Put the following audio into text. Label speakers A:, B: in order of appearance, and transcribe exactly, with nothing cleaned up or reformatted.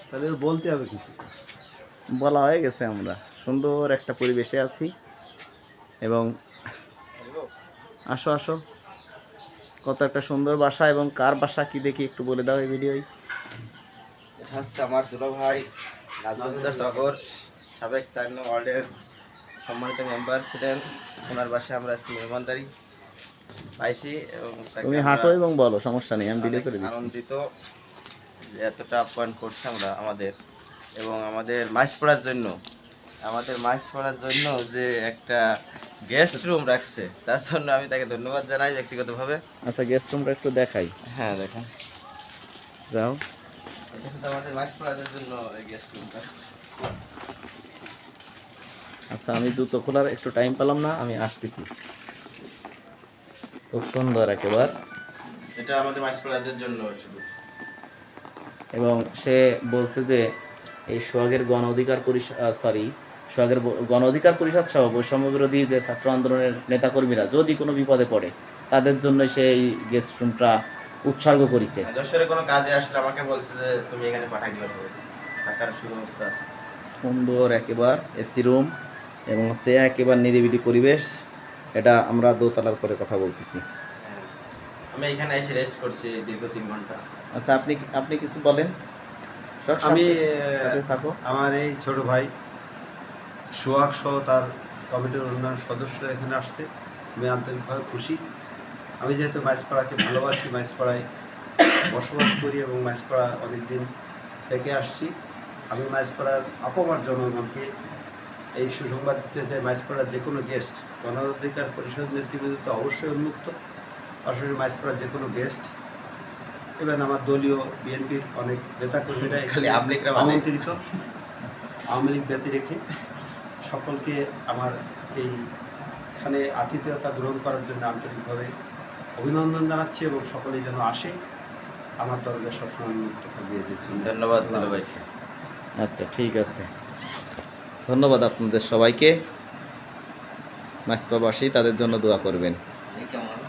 A: তাহলে বলতে হবে কিছু।
B: বলা হয়ে গেছে, আমরা সুন্দর একটা পরিবেশে আছি এবং আসো আসো, কত একটা সুন্দর বাসা। এবং কার বাসা কি দেখি একটু বলে দাও এই ভিডিওয়।
C: এটা হচ্ছে আমার দুলা ভাই নাজমুদ্দার টগর, সাবেক চার নং ওয়ার্ডের সম্মানিত মেম্বার ছিলেন। ওনার বাসায় আমরা আজকে মেহমানদারি পাইছি এবং তাকে
B: তুমি
C: আমরা
B: হাঁটো এবং বলো, সমস্যা নেই, আমি ভিডিও
C: অনেক
B: করে দিচ্ছি।
C: আনন্দিত যে এতটা আপ্যায়ন করছে আমরা আমাদের, এবং আমাদের মাছ পড়ার জন্য আমাদের মাছ পড়ার জন্য যে একটা গেস্ট রুম রাখছে, তার জন্য আমি তাকে ধন্যবাদ জানাই ব্যক্তিগতভাবে।
B: আচ্ছা, গেস্ট রুমটা একটু দেখাই।
C: হ্যাঁ দেখেন,
B: যাও।
C: এটা কিন্তু আমাদের মাছ পড়ার জন্য গেস্ট রুমটা।
B: আচ্ছা, আমি জুতো খোলার একটু টাইম পেলাম না, আমি আসতেছি। খুব সুন্দর একেবারে।
C: এটা আমাদের মাছ পড়ার জন্য শুধু।
B: এবং সে বলছে যে এই সোহাগের গণ অধিকার পরিষদ, সরি সোহাগের ব- গণ অধিকার পরিষদ সহ বৈষম্য বিরোধী যে ছাত্র আন্দোলনের নেতাকর্মীরা যদি কোনো বিপদে পড়ে তাদের জন্য সেই গেস্ট রুমটা উৎসর্গ করেছে।
C: যশোরে কোনো কাজে আসলে আমাকে বলছে যে তুমি এখানে পাঠাই দিবা, সবাই থাকার সুব্যবস্থা আছে।
B: সুন্দর একেবারে এসি রুম এবং হচ্ছে একেবারে নিরিবিলি পরিবেশ। এটা আমরা দোতলার করে কথা বলতেছি।
C: হ্যাঁ, আমি এখানে এসে রেস্ট করছি দীর্ঘ তিন ঘন্টা।
B: আচ্ছা, আপনি আপনি কিছু বলেন। সোহাগ,
A: আমি
B: সাথে- সাথে থাকো।
A: আমার এই ছোট ভাই সোহাগ সহ তার কমিটির অন্যান্য সদস্যরা এখানে আসছে, আমি আন্তরিকভাবে খুশি। আমি যেহেতু মাছপাড়াকে ভালোবাসি, মাছপাড়ায় বসবাস করি এবং মাছপাড়া অনেকদিন থেকে আসছি, আমি মাছপাড়ার আপামার জনগণকে এই সুসংবাদ দিতে চাই, মাছপাড়ার যে কোনো গেস্ট গণ অধিকার পরিষদ নেতৃবৃন্দ তো অবশ্যই উন্মুক্ত, পাশাপাশি মাছপাড়ার যে কোনো গেস্ট, এবং আমার দলীয় বিএনপির অনেক নেতাকর্মীরা
C: খালি
A: এখানে
C: আওয়ামী লীগরা বাদে।
A: আমন্ত্রিত। আওয়ামী লীগ ব্যতী রেখে সকলকে আমার এইখানে আতিথেয়তা গ্রহণ করার জন্য আন্তরিকভাবে অভিনন্দন জানাচ্ছি এবং সকলেই যেন আসে। আমার দরজা সবসময় উন্মুক্ত থাকবে এদের জন্য।
C: ধন্যবাদ দুলা ভাই।
B: আচ্ছা, ঠিক আছে, ধন্যবাদ আপনাদের সবাইকে। মাছপাবাসী তাদের জন্য দোয়া করবেন।
C: কেমন